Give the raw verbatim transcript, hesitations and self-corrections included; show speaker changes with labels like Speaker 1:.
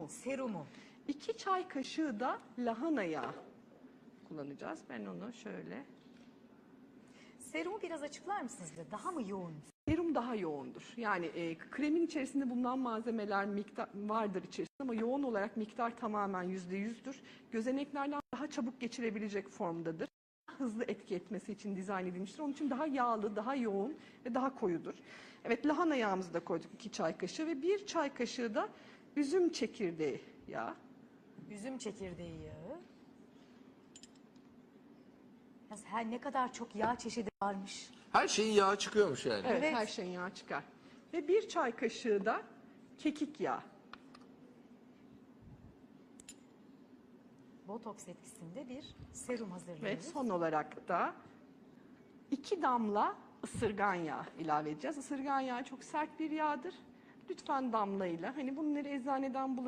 Speaker 1: Serumu.
Speaker 2: iki çay kaşığı da lahana yağı kullanacağız. Ben onu şöyle...
Speaker 1: Serumu biraz açıklar mısınız? bize? Daha mı yoğun?
Speaker 2: Serum daha yoğundur. Yani e, kremin içerisinde bulunan malzemeler miktar vardır içerisinde ama yoğun olarak miktar tamamen yüzde yüzdür. Gözeneklerden daha çabuk geçirebilecek formdadır. Hızlı etki etmesi için dizayn edilmiştir. Onun için daha yağlı, daha yoğun ve daha koyudur. Evet, lahana yağımızı da koyduk iki çay kaşığı ve bir çay kaşığı da üzüm çekirdeği yağı.
Speaker 1: Üzüm çekirdeği yağı. Ya her ne kadar çok yağ çeşidi varmış.
Speaker 3: Her şeyin yağı çıkıyormuş yani.
Speaker 2: Evet,
Speaker 1: Evet.
Speaker 2: her şeyin yağı çıkar. Ve bir çay kaşığı da kekik yağı.
Speaker 1: Botoks etkisinde bir serum hazırlıyoruz.
Speaker 2: Ve son olarak da iki damla ısırgan yağı ilave edeceğiz. Isırgan yağı çok sert bir yağdır. Lütfen damlayla, hani bunları eczaneden bulabilirsiniz.